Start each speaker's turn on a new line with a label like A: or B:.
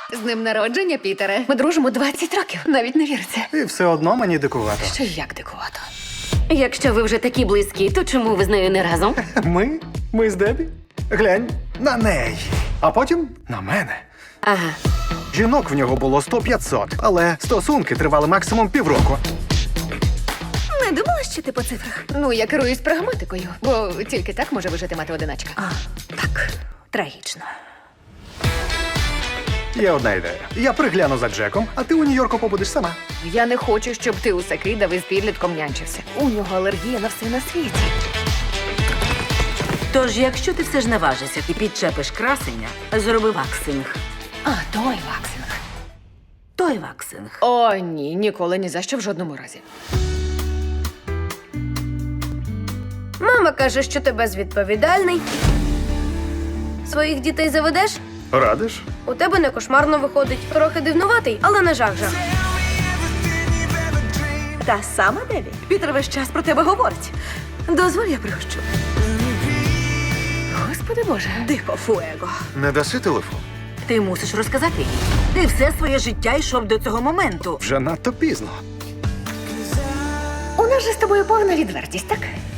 A: З днем народження, Пітере. Ми дружимо 20 років. Навіть не віриться.
B: І все одно мені дикувато.
A: Що як дикувато.
C: Якщо ви вже такі близькі, то чому ви з нею не разом?
B: Ми з Дебі? Глянь на неї. А потім на мене.
C: Ага.
B: Жінок в нього було 100-500, але стосунки тривали максимум півроку.
D: Не думала, що ти по цифрах?
A: Ну, я керуюсь прагматикою, бо тільки так може вижити мати-одиначка.
D: А, так, трагічно.
B: Є одна ідея. Я пригляну за Джеком, а ти у Нью-Йорку побудеш сама.
A: Я не хочу, щоб ти усе кидав і з підлітком нянчився. У нього алергія на все на світі.
E: Тож, якщо ти все ж наважишся і підчепиш красення, зроби ваксинг.
A: А, той ваксинг.
E: Той ваксинг.
A: О, ні, ніколи ні за що в жодному разі.
D: Мама каже, що ти безвідповідальний. Своїх дітей заведеш?
B: Радиш?
D: У тебе не кошмарно виходить. Трохи дивнуватий, але не жах-жах.
F: Та сама Деві. Пітер весь час про тебе говорить. Дозволь, я пригощу.
A: Господи Боже.
F: Дико фуего.
B: Не даси телефон?
E: Ти мусиш розказати їй. Ти все своє життя йшов до цього моменту.
B: Вже надто пізно.
A: У нас же з тобою повна відвертість, так?